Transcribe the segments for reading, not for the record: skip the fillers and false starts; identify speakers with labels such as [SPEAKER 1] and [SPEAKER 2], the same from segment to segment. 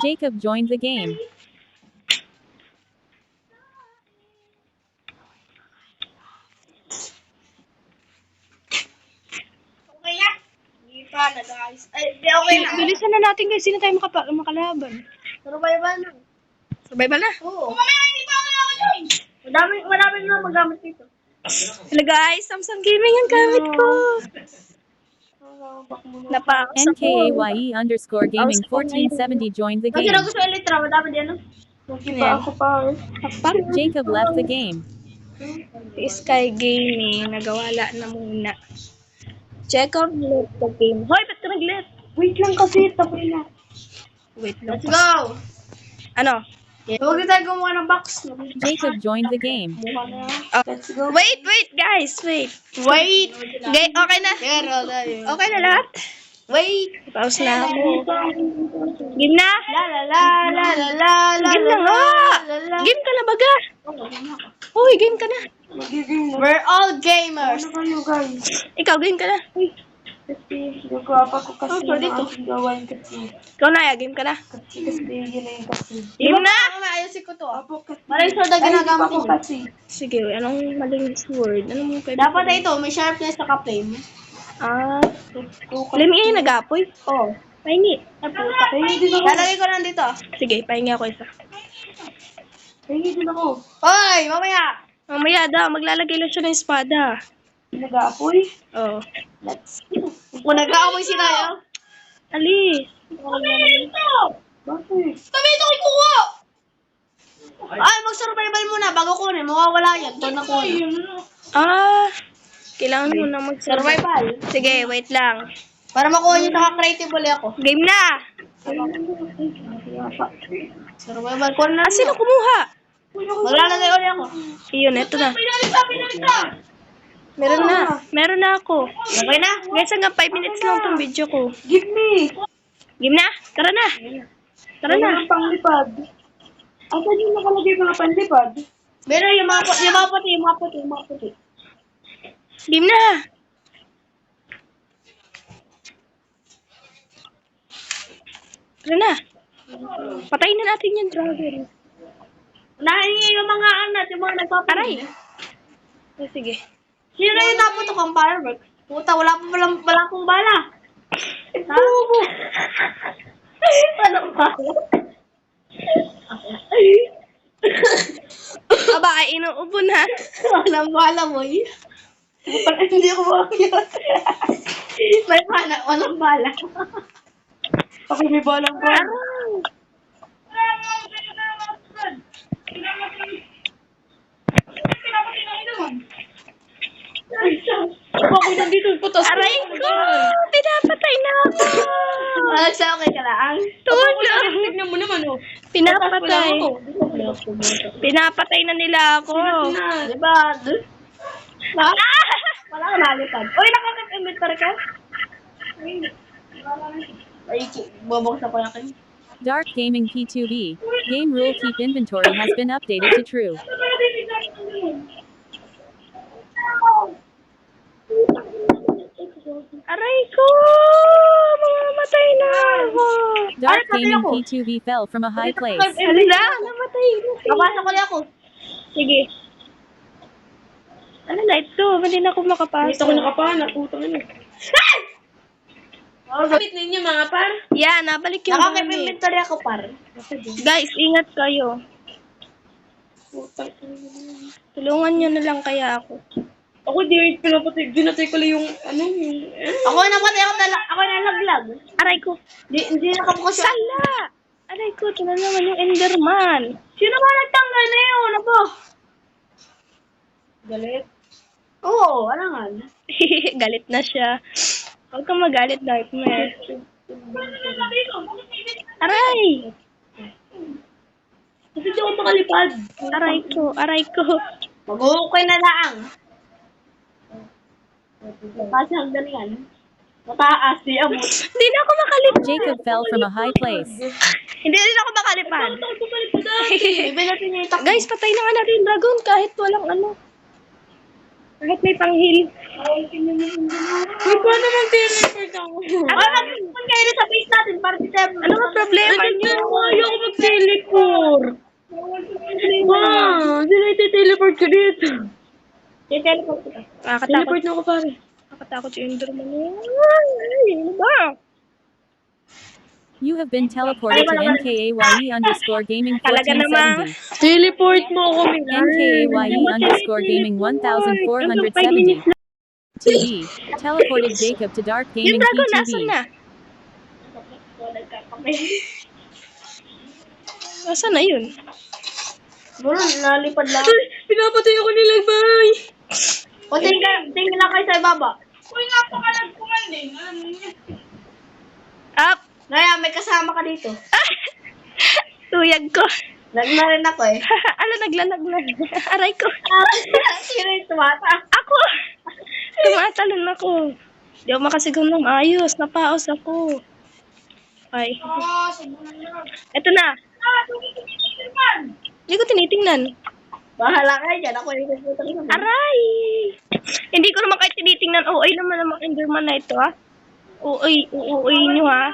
[SPEAKER 1] Jacob joined the game.
[SPEAKER 2] Okay na. Hindi pa na guys. Ay, di okay na.
[SPEAKER 3] Bilisan na natin guys. Sino tayo makalaban?
[SPEAKER 2] Survival na.
[SPEAKER 3] Survival na.
[SPEAKER 2] Oo. Mamaya hindi pa ako nakaka-join. Marami na magamit dito.
[SPEAKER 3] Hello guys, Samsung Gaming ang gamit ko. Napakasap ko.
[SPEAKER 1] NKAYE_gaming 1470 joined the
[SPEAKER 2] Kasi
[SPEAKER 1] game.
[SPEAKER 2] na gusto Elytra, madami din ano.
[SPEAKER 3] Ako pa.
[SPEAKER 1] Jacob left the game.
[SPEAKER 3] Sky Gaming, nagawala na muna. Check out left the game. Hoy, ba't ka nag-left?
[SPEAKER 2] Wait lang kasi, tapos na.
[SPEAKER 3] Wait lang.
[SPEAKER 2] Let's go!
[SPEAKER 3] Ano?
[SPEAKER 2] Huwag na tayo gumawa ng box.
[SPEAKER 1] Jacob joined the game.
[SPEAKER 2] Let's go.
[SPEAKER 3] Wait guys, wait. Okay na.
[SPEAKER 2] Pero tayo.
[SPEAKER 3] Okay na lahat?
[SPEAKER 2] Wait.
[SPEAKER 3] Pause na ako. Game na?
[SPEAKER 2] La la la la la la la.
[SPEAKER 3] Game na nga! Game ka na baga? Uy, game ka na.
[SPEAKER 2] We're all gamers.
[SPEAKER 3] Ikaw, game ka na.
[SPEAKER 4] Kasi gagawa pa ko kasi
[SPEAKER 2] Oh, dito.
[SPEAKER 4] aking gawain kasi.
[SPEAKER 3] Ikaw na, game ka na.
[SPEAKER 4] Kasi yun na yung kasi.
[SPEAKER 3] Game na!
[SPEAKER 2] Ayusin ko to.
[SPEAKER 4] Apo kasi.
[SPEAKER 2] Maraming sword na
[SPEAKER 4] Ay, hindi pa
[SPEAKER 2] ginagamit
[SPEAKER 4] ko
[SPEAKER 2] ko.
[SPEAKER 4] kasi.
[SPEAKER 3] Sige, anong maling word? Anong pwede?
[SPEAKER 2] Dapat na ito, may sharpness sa flame.
[SPEAKER 3] Ah, alam nga yung nag-apoy.
[SPEAKER 2] Oo.
[SPEAKER 3] Pahingi.
[SPEAKER 4] Ay, hindi ako.
[SPEAKER 2] Lalagay ko lang dito.
[SPEAKER 3] Sige, pahingi ako isa.
[SPEAKER 4] Ay, hindi ako.
[SPEAKER 2] Hoy, mamaya.
[SPEAKER 3] Mamaya daw, maglalagay lang siya ng espada.
[SPEAKER 4] Nag-aapoy.
[SPEAKER 3] Oo.
[SPEAKER 4] Let's
[SPEAKER 2] Kung nag-aamoy si Naya.
[SPEAKER 3] Ali.
[SPEAKER 4] Bakit?
[SPEAKER 2] Kami ito kukuha! Ay, mag-survival muna bago kunin. Mawawala yan. Ito na kunin.
[SPEAKER 3] Ah, kailangan mo na mag-survive.
[SPEAKER 2] Survival.
[SPEAKER 3] Sige, wait lang.
[SPEAKER 2] Para makuha niyo naka-creative ulit ako.
[SPEAKER 3] Game na!
[SPEAKER 2] Survival. Kunin na.
[SPEAKER 3] Ah, sino kumuha?
[SPEAKER 2] Maglalagay ulit ako.
[SPEAKER 3] Iyon, eto na.
[SPEAKER 2] Pinalita!
[SPEAKER 3] Meron na. Meron na ako.
[SPEAKER 2] Okay na?
[SPEAKER 3] Guys, hanggang 5 minutes lang tong video ko.
[SPEAKER 4] Give me.
[SPEAKER 3] Game na? Tara na. Tara na.
[SPEAKER 4] Ang panglipad. Asan yung nakalagay mga panlipad?
[SPEAKER 2] Meron yung mga puti.
[SPEAKER 3] Game na. Tara na. Patayin na natin yung dragon.
[SPEAKER 2] Nahingi yung mga anat, yung mga nagpaparay.
[SPEAKER 3] Oh, sige.
[SPEAKER 2] Sino na yung naputok ang fireworks? Puta, wala akong bala. Ha? Ano ba?
[SPEAKER 3] Aba, ay inuubo na.
[SPEAKER 2] Walang bala mo eh. Hindi ako makakiyot. May bala, walang bala.
[SPEAKER 4] Ako may balang pa.
[SPEAKER 2] Ako nandito, putos.
[SPEAKER 3] Aray ko! Pinapatay na ako!
[SPEAKER 2] Sa okay ka lang.
[SPEAKER 3] Tulong!
[SPEAKER 2] Tignan mo naman, oh.
[SPEAKER 3] Pinapatay. Pinapatay na nila ako.
[SPEAKER 2] Diba? Wala ka nalipad. Uy, nakaka-inventory ka? Ay, bubuksan ko lang kayo.
[SPEAKER 1] Dark Gaming P2B. Game rule keep inventory has been updated to true.
[SPEAKER 3] Aray ko! Mamamatay na ako.
[SPEAKER 1] Dark
[SPEAKER 2] pati
[SPEAKER 1] Gaming
[SPEAKER 2] ako.
[SPEAKER 1] P2B fell from a high place.
[SPEAKER 3] Hala, namatay na siya.
[SPEAKER 2] Kapasok ko lang ako.
[SPEAKER 3] Sige. Ano na ito? Hindi na ako makapasok.
[SPEAKER 4] Dito ko nakapana. Putang ina.
[SPEAKER 2] Kapit ninyo mga par.
[SPEAKER 3] Yan, nabalik yung gamit.
[SPEAKER 2] Nakaka-inventory ako par.
[SPEAKER 3] Guys, ingat kayo.
[SPEAKER 4] Putang ina.
[SPEAKER 3] Tulungan nyo na lang kaya ako.
[SPEAKER 4] Ako dinatay ko lang yung ano yung...
[SPEAKER 2] Ako namatay ako nalaglag.
[SPEAKER 3] Aray ko.
[SPEAKER 2] Hindi nakapokus yung...
[SPEAKER 3] Sala! Aray ko, ito na naman yung Enderman.
[SPEAKER 2] Sino ba nagtanggal na yun? Ano ba?
[SPEAKER 4] Galit.
[SPEAKER 2] Oo, alangan.
[SPEAKER 3] Galit na siya. Huwag kang magalit, Darkmare. Aray!
[SPEAKER 2] Kasi di ako makalipad.
[SPEAKER 3] Aray ko.
[SPEAKER 2] Mag-uukay na lang. Kasi hanggang yan. Mataas si Amot.
[SPEAKER 3] Hindi na ako makalipad.
[SPEAKER 1] Jacob fell from a high place.
[SPEAKER 3] Hindi rin ako makalipad.
[SPEAKER 2] Ibig natin yung itak.
[SPEAKER 3] Guys, patay na nga natin yung dragon kahit walang ano. Kahit may panghil.
[SPEAKER 4] Uy, paano mag-teleport ako?
[SPEAKER 2] Mag-respond kayo sa base natin para
[SPEAKER 3] Ano ba problema niyo?
[SPEAKER 4] Ayoko mag-teleport. Ma, sila iti-teleport ko dito.
[SPEAKER 2] Teleport kita.
[SPEAKER 3] Nakakatakot.
[SPEAKER 4] Teleport na ako pare.
[SPEAKER 3] Nakakatakot yung Enderman. Ay, ano ba?
[SPEAKER 1] You have been teleported to NKAYE_gaming
[SPEAKER 3] Talaga namang.
[SPEAKER 1] 1470.
[SPEAKER 4] Teleport mo ako, Milan.
[SPEAKER 1] NKAYE_gaming 1470. TV. Teleported Jacob to Dark
[SPEAKER 3] Yung
[SPEAKER 1] Gaming
[SPEAKER 3] dragon, nasan
[SPEAKER 1] PTV.
[SPEAKER 3] na? Nasaan na yun?
[SPEAKER 2] Bro, nalipad lang.
[SPEAKER 4] Ay, pinapatay ako nila, bay.
[SPEAKER 2] O, tingin lang kayo sa ibaba.
[SPEAKER 3] Up!
[SPEAKER 2] Ngaya, may kasama ka dito.
[SPEAKER 3] Tuyag ko.
[SPEAKER 2] Lag na rin ako eh.
[SPEAKER 3] Ala, naglalag na. Aray ko.
[SPEAKER 2] Sino yung tumata?
[SPEAKER 3] Ako! Tumatalon ako. Di ako makasigaw ng ayos. Napaos ako. Ay. Eto na. Hindi ko tinitingnan.
[SPEAKER 2] Bahala kayo dyan. Ako yung nagpupunta ko sa
[SPEAKER 3] Aray! Hindi ko naman kayo tinitingnan. OA naman namang Enderman na ito, ha? OA nyo, ha?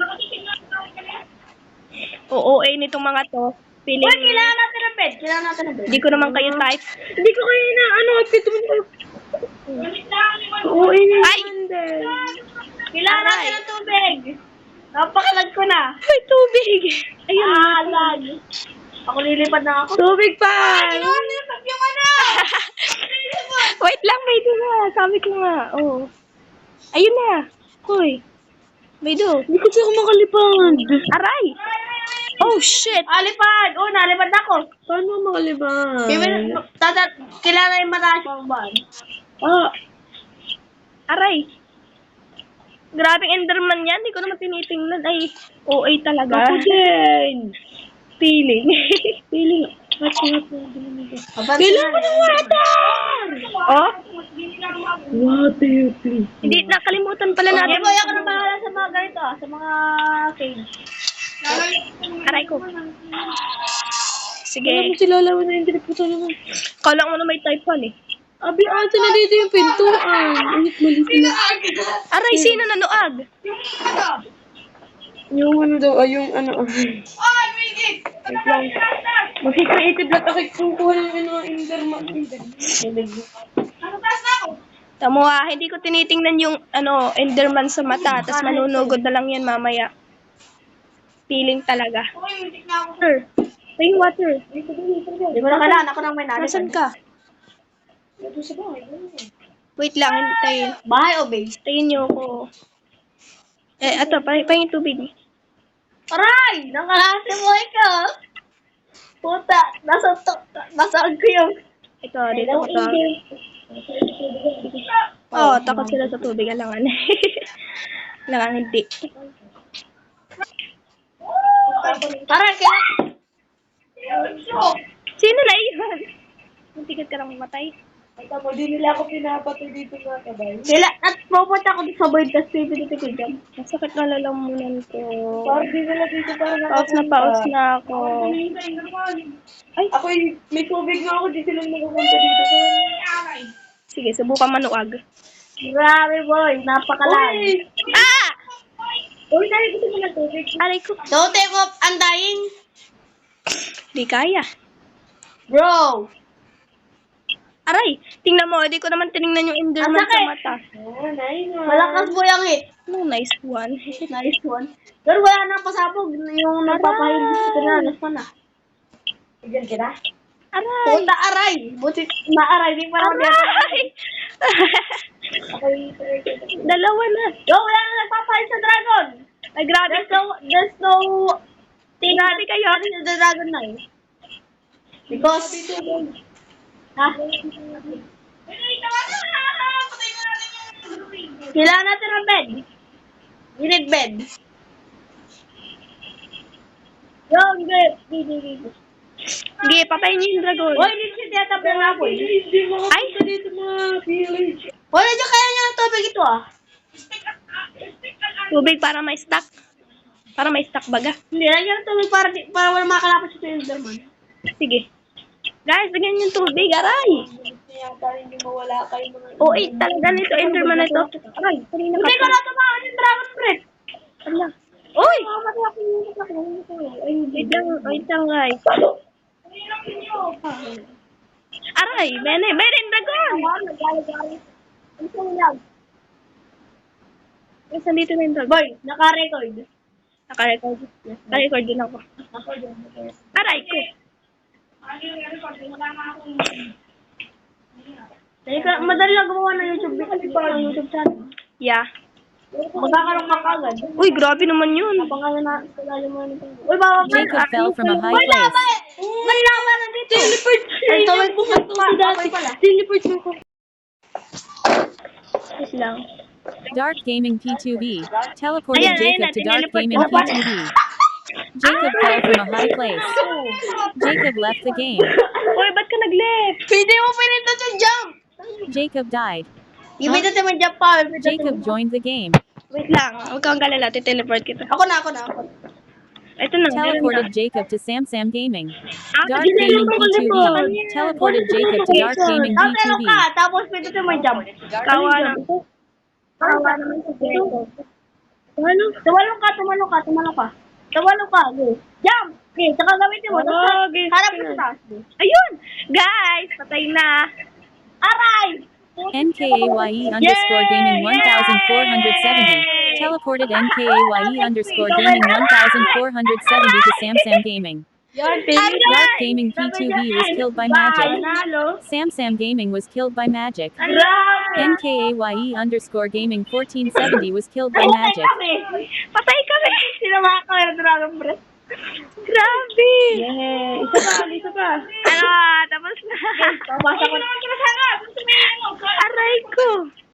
[SPEAKER 3] OA nitong mga to. Feeling...
[SPEAKER 2] Uy, kailangan natin ng bed. Kailangan natin ng bed.
[SPEAKER 3] Hindi ko naman kayo type.
[SPEAKER 4] Hindi ko kaya na, outfit mo na. Oo,
[SPEAKER 3] Ay!
[SPEAKER 2] Kailangan natin ng tubig. Napakalag ko na.
[SPEAKER 3] Ay, tubig! Ayun.
[SPEAKER 2] Lag. Ako lilipad na ako.
[SPEAKER 4] Tubig pa!
[SPEAKER 2] Nilipad yung ano.
[SPEAKER 3] Wait lang, Maydo nga. Sabi ko nga. Oh. Ayun na. Hoy. Maydo.
[SPEAKER 4] Hindi kasi ako makalipad.
[SPEAKER 3] Aray! Oh, shit!
[SPEAKER 2] Alipad. Oh, nalipad na ako.
[SPEAKER 4] Paano ako makalipad?
[SPEAKER 2] Kailangan yung mataas pang ban.
[SPEAKER 4] Ah,
[SPEAKER 3] Aray! Grabing Enderman yan. Hindi ko naman tinitingnan. Ay, OA talaga.
[SPEAKER 4] ako din.
[SPEAKER 3] Feeling.
[SPEAKER 4] Feeling.
[SPEAKER 2] Kailangan ko ng
[SPEAKER 4] water!
[SPEAKER 3] Oh?
[SPEAKER 4] Water, please.
[SPEAKER 3] Hindi, nakalimutan pala
[SPEAKER 2] Hindi
[SPEAKER 3] natin.
[SPEAKER 2] mo ako na bahala sa mga ganito sa mga cage.
[SPEAKER 3] Aray ko. Sige.
[SPEAKER 4] Alam mo sila lawan na yung teleporto naman.
[SPEAKER 3] Kala mo na may type fan eh.
[SPEAKER 4] Abi, asa na dito yung pintuan. Ulit, mali sila.
[SPEAKER 3] Aray, sino nanuag?
[SPEAKER 4] Yung ano daw, yung ano. Wait lang. Mag-creative lahat ako kukuha ng ano, Enderman.
[SPEAKER 3] Tamo ha, hindi ko tinitingnan yung ano, Enderman sa mata, tas manunugod na lang yan mamaya. Feeling talaga. Water. Ay, water.
[SPEAKER 2] Hindi mo na kailangan ako nang may nalipad.
[SPEAKER 3] Nasaan ka? Wait lang, hintayin.
[SPEAKER 2] Bahay o base?
[SPEAKER 3] Hintayin niyo ako. Ato, pahingin tubig.
[SPEAKER 2] Aray! Nakalasi mo ikaw! Puta! Nasaan ko yung...
[SPEAKER 3] Ito, dito ko to. Oh, takot sila sa tubig. Alangan. Alangan, hindi.
[SPEAKER 2] Aray! Kailangan...
[SPEAKER 3] Sino na iyon? Muntikat ka lang mamatay.
[SPEAKER 4] Tama, di nila ako pinapatay dito mga kabay.
[SPEAKER 2] At pupunta ako dito sa void kasi pinito ko dyan.
[SPEAKER 3] Masakit na lalamunan ko.
[SPEAKER 4] Parang di nila dito para
[SPEAKER 3] Paus na ako.
[SPEAKER 4] Ay, ako may tubig na ako, di sila nakapunta dito.
[SPEAKER 3] Sige, subukan manuag.
[SPEAKER 2] Grabe boy! Napakalag!
[SPEAKER 3] Ah!
[SPEAKER 4] Uy, tayo gusto mo ng tubig.
[SPEAKER 3] Aray ko.
[SPEAKER 2] Don't take off! Undying!
[SPEAKER 3] Di kaya.
[SPEAKER 2] Bro!
[SPEAKER 3] Aray, tingnan mo. Di ko naman tinignan yung Enderman sa mata.
[SPEAKER 4] Oh, nice one.
[SPEAKER 2] Malakas boy ang hit!
[SPEAKER 3] No, nice one.
[SPEAKER 2] Nice one. Pero wala nang pasabog. Yung nagpapahilis ko na. Alas pa na.
[SPEAKER 4] Diyan kita?
[SPEAKER 3] Aray!
[SPEAKER 2] Puta aray! Buti na aray. Di parang
[SPEAKER 3] Aray! Dalawa na.
[SPEAKER 2] Yo, wala na nagpapahilis sa dragon!
[SPEAKER 3] Ay, grabe.
[SPEAKER 2] There's no...
[SPEAKER 3] Grabe kayo.
[SPEAKER 2] The dragon na eh. Because... Ha? Kailangan natin ng bed. We need bed. Yo, hindi.
[SPEAKER 3] Sige, patayin niyo yung dragon.
[SPEAKER 2] Hoy, hindi siya tiyatabi ng apoy.
[SPEAKER 4] Hindi mo
[SPEAKER 3] Ay!
[SPEAKER 4] kapita dito mga village.
[SPEAKER 2] Hoy, nandiyan kaya niya ng tubig ito ah.
[SPEAKER 3] Tubig para may stock. Para may stock baga.
[SPEAKER 2] Hindi, nandiyan ng tubig para wala makakalapas sa Enderman.
[SPEAKER 3] Sige. Guys, lagyan niyo yung tubig. Aray!
[SPEAKER 4] Yata hindi mawala kayo mga...
[SPEAKER 3] Oh, talaga nito. Enderman na ito. Aray, kanina
[SPEAKER 2] Hindi ko
[SPEAKER 3] ka.
[SPEAKER 2] na tumawag yung dragon friend.
[SPEAKER 3] Ala. Uy! Wait lang, guys. Aray, Bene, Dragon! Yes, nandito na yung Dragon.
[SPEAKER 2] Boy, naka-record.
[SPEAKER 3] Naka-record din ako. Aray ko.
[SPEAKER 2] Madali lang gumawa ng YouTube channel.
[SPEAKER 3] Yeah.
[SPEAKER 2] Magkakaroon ka kagad.
[SPEAKER 3] Uy, grabe naman yun.
[SPEAKER 2] Pangalan na, pangalan mo na ito. Uy, baka ka.
[SPEAKER 1] Jacob fell from a high place.
[SPEAKER 2] May laban na dito. Teleport. Ay, tawag ko pala. Teleport mo ko.
[SPEAKER 3] Wait lang.
[SPEAKER 1] Dark Gaming P2B teleported
[SPEAKER 3] Ayan,
[SPEAKER 1] Jacob
[SPEAKER 3] ayan,
[SPEAKER 1] to Dark
[SPEAKER 3] tineliport
[SPEAKER 1] Gaming
[SPEAKER 3] ko pa.
[SPEAKER 1] P2B. Jacob fell from a high place. Jacob left the game.
[SPEAKER 3] Uy, ba't ka nag-left?
[SPEAKER 2] Hindi mo pinindot yung jump.
[SPEAKER 1] Jacob died.
[SPEAKER 2] Yung pinindot yung jump pa.
[SPEAKER 1] Jacob joined the game.
[SPEAKER 3] Wait lang. Huwag kang galala. Titeleport kita.
[SPEAKER 2] Ako na.
[SPEAKER 3] Ito na.
[SPEAKER 1] Teleported Jacob to Sam Gaming.
[SPEAKER 3] Ah,
[SPEAKER 1] Dark
[SPEAKER 3] hindi
[SPEAKER 1] Gaming
[SPEAKER 3] na ako
[SPEAKER 1] P2B
[SPEAKER 3] teleport.
[SPEAKER 1] teleported Jacob to Dark Gaming
[SPEAKER 2] Tapos
[SPEAKER 1] P2B.
[SPEAKER 2] ka. Tapos pinindot yung jump.
[SPEAKER 3] Kawa na. Kawa naman sa Jacob.
[SPEAKER 2] Ano? Tumalong ka. Go. Jump. Okay, saka gamitin mo.
[SPEAKER 3] Okay,
[SPEAKER 2] Harap mo sa taas.
[SPEAKER 3] Ayun! Guys, patay na.
[SPEAKER 2] Aray!
[SPEAKER 1] NKAYE underscore gaming 1470 teleported NKAYE underscore gaming 1470 to Sam Gaming. Dark Gaming P2B was killed by magic.
[SPEAKER 2] Panalo.
[SPEAKER 1] Sam Gaming was killed by magic.
[SPEAKER 2] Grabe!
[SPEAKER 1] NKAYE underscore gaming 1470 was killed by magic.
[SPEAKER 3] Patay kami.
[SPEAKER 2] Sinama ka ng Dragon Breath.
[SPEAKER 3] Grabe.
[SPEAKER 2] Yeah. Isa pa.
[SPEAKER 3] Ano, tapos na.
[SPEAKER 2] Babasa ko na.
[SPEAKER 3] Aray ko.